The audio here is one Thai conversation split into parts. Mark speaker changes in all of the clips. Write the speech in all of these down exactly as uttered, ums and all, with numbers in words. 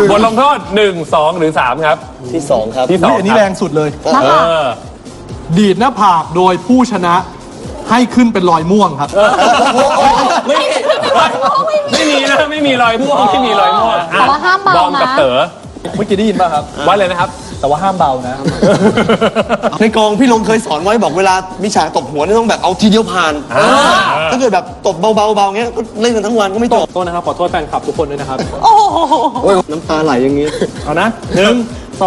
Speaker 1: บทลงโทษหนึ่งสองหรือสามครับ
Speaker 2: ที่สองครับ
Speaker 1: ที่สอง
Speaker 3: อันนี้แรงสุดเลย
Speaker 1: เออ
Speaker 3: ดีดหน้าผากโดยผู้ชนะให้ขึ้นเป็นรอยม่วงครับ
Speaker 1: ไม่ไม่มีนะไม่มีรอยม่วงไม่มีรอยม่วง
Speaker 4: แต่ว่าห้ามเบานะ
Speaker 1: บอมกับเต๋อ
Speaker 3: เมื่อกี้ได้ยินป่ะครับ
Speaker 1: ว่าเลยนะครับ
Speaker 3: แต่ว่าห้ามเบานะ
Speaker 2: ในกองพี่ลงเคยสอนไว้บอกเวลามีฉากตบหัวนี่ต้องแบบเอาทีเดียวผ่าน
Speaker 1: อ่า
Speaker 2: ถ้าเกิดแบบตบเบาๆเบาๆเงี้ยก็เล่นกันทั้งวันก็ไม่จบ
Speaker 3: โทษนะครับ ขอโทษแฟนคลับทุกคนด้วยนะครับ
Speaker 4: โอ้โห
Speaker 2: โอ้ยน้ำตาไหลอย่างงี้
Speaker 3: เอานะหนึ่งสอง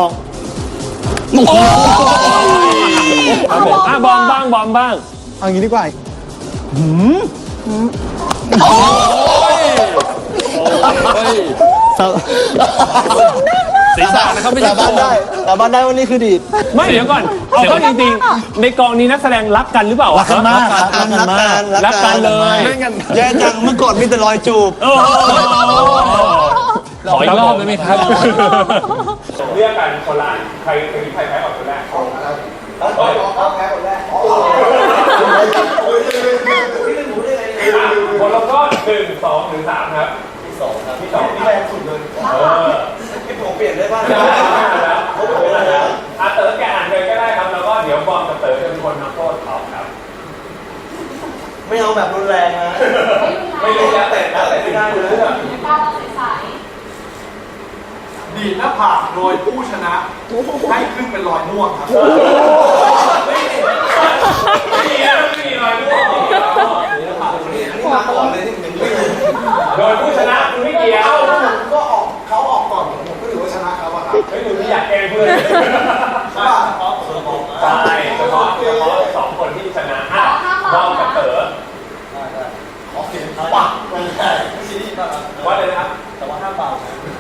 Speaker 1: ครับผมอ่ะบอมบ้างบอมบ้าง
Speaker 3: เอางี้ดีกว่า
Speaker 1: ศีรษะนะครับไม่ใช่
Speaker 2: สาบานได้สาบานได้ว่านี่คือดีด
Speaker 1: ไม่เดี๋ยวก่อนเอาเข้าจริงๆในกองนี้นักแสดงรักกันหรือเปล่า
Speaker 3: รักกันมาก
Speaker 2: รักกันรักกัน
Speaker 1: รักกันเลย
Speaker 2: แย่จังเมื่อก่อนมีแต่รอยจูบ
Speaker 1: โอ้โหขออีกรอบได้ไหมครับเรียกกันคนละใครใครใครแพ้ก่อนคนแรกคนละก็หนึ่งสองหรือสามครับที่สองครับที่สองที่แรงสุดเลยเออ
Speaker 2: ผมเปลี่ยนได้บ้าง
Speaker 1: ได้แล้วเขาบอกว่าแล้วอ่ะเต๋อแกอ่านเลยก็ได้ครับแล้วก็เดี๋ยวบอมกับเต๋อจะเป็นคนทำโทษเขาครับ
Speaker 2: ไม่เอาแบบรุนแรงนะ
Speaker 1: ไม่รู้แล้วแต่แล้วแต่ไม่ได้เลย
Speaker 3: ดีดหน้าผากโดยผู้ชนะให้ขึ้นเป็นรอยม่วงครับ
Speaker 1: ไม่มีนะไม่มีรอยม่วง
Speaker 2: มาก่อนเลยที่เป็นเรื่อง
Speaker 1: โดยผู้ชนะคุณไม่เกี่ยว
Speaker 3: ก็ออกเขาออกก่อนผมก็ถือว่าชนะเขาอะครับ
Speaker 1: ไม่หนูไม่อยากแกล้งเพื่อนใช่ใช่เฉพาะเฉพาะสองคนที่ชนะอ่ะบอมกับเต๋อ
Speaker 3: ขอเสียงปักไปเลยซีรีส์ป่ะครับ
Speaker 1: ว่าเลยนะครับ
Speaker 3: แต่ว่าห้ามเบานะ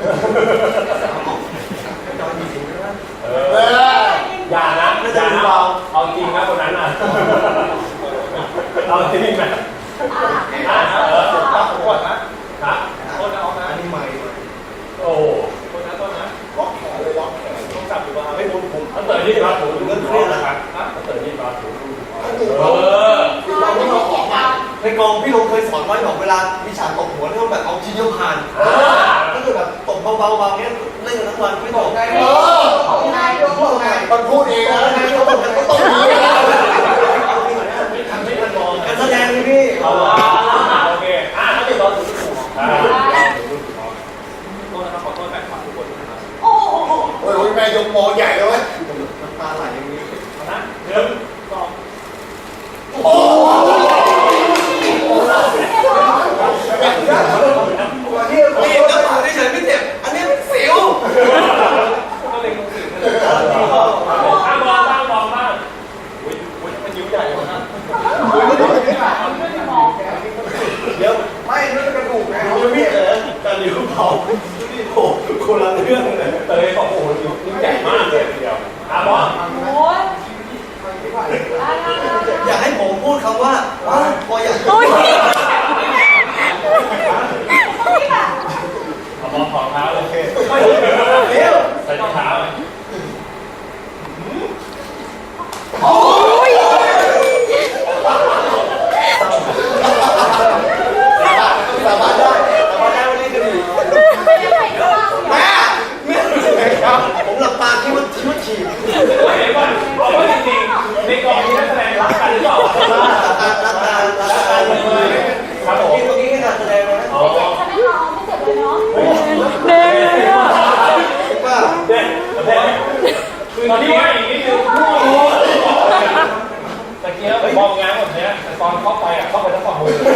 Speaker 1: เอออย่านะอย่านะเอาจริงนะคนนั้นน่ะเอาจริงนะอ่ะเออ
Speaker 3: ปักก่อนนะครับ โทษนะออกนะอันนี้ใหม่
Speaker 1: โอ้
Speaker 3: โทษนะโทษนะล็อกแขนเลยล็อกแขนต้องจับอยู่ว่าไม่ผมผม
Speaker 1: ถ้าเต๋อที่รับถูดูเครียดนะครับถ้าเต๋อที่รับถูดูเออ
Speaker 2: เราไม่เอาของมาในกองพี่ลงเคยสอนไว้บอกเวลามีฉากตบหัวนี่ต้องแบบเอาทีเดียวผ่านถ้าเกิดแบบตบเบาๆเบาๆเงี้ยเล่นกันทั้งวันไม่จบไงเออมันพูดเองนะมันก็ต้องมีการแสดงนี่พี่
Speaker 1: เอาละโอเคอ่ะถ้าเป็นตอนถูกถูกอ่า
Speaker 3: โทษนะครับขอโทษแฟนคลับทุกคนนะครับ
Speaker 4: โอ้โห
Speaker 2: โอ้ยแม่ยกโมใหญ่เลยน้ำตาไหลอย่างนี้
Speaker 1: นะหนึ่งสอง
Speaker 2: นี่นี่น้ำตาเฉยๆไม่เจ็บอันนี้เป็นสิว
Speaker 1: ก็เลยคงสื่อเลยอ่ะบอมบ้างบอมบ้าง
Speaker 3: มันยิ้มใหญ่เลยนะ
Speaker 2: เดี๋ยวไม่นั่นกระดูกไงเขาจะมีเออการนิ้วเผาโอ้คนละเรื่องเลย
Speaker 1: เตยบอกโอ้โหนิ้วใหญ่มากเลยทีเดียวอ่ะบอม
Speaker 4: โอ้ย
Speaker 2: อยากให้ผมพูดคำว่าว่าพออยาก
Speaker 4: โอ้ย
Speaker 1: เอาบอมของเท้าเลย
Speaker 2: เร็ว
Speaker 1: ใส่รองเท้าเลย
Speaker 2: สาบานได้สาบานได้ว่านี่คือดีแม่ผมหลับตาคิดว่าคิดว่าฉี่
Speaker 1: เดี๋ยวก่อนเอาว่าจริงๆในกองนี้นักแสดงรักกันหรือเปล่า
Speaker 2: รักตารักตารักตาเลยครับผมตรงนี้แค่การแสดงนะ
Speaker 1: อ๋อ
Speaker 4: เด็กอ่ะ
Speaker 2: ว่า
Speaker 1: เด็กเด็กคือตอนนี้ว่าอีกนิดนึงตะเกียบมองง้างแบบนี้ตอนเข้าไปอ่ะเข้าไปทั้งฝ่ามือ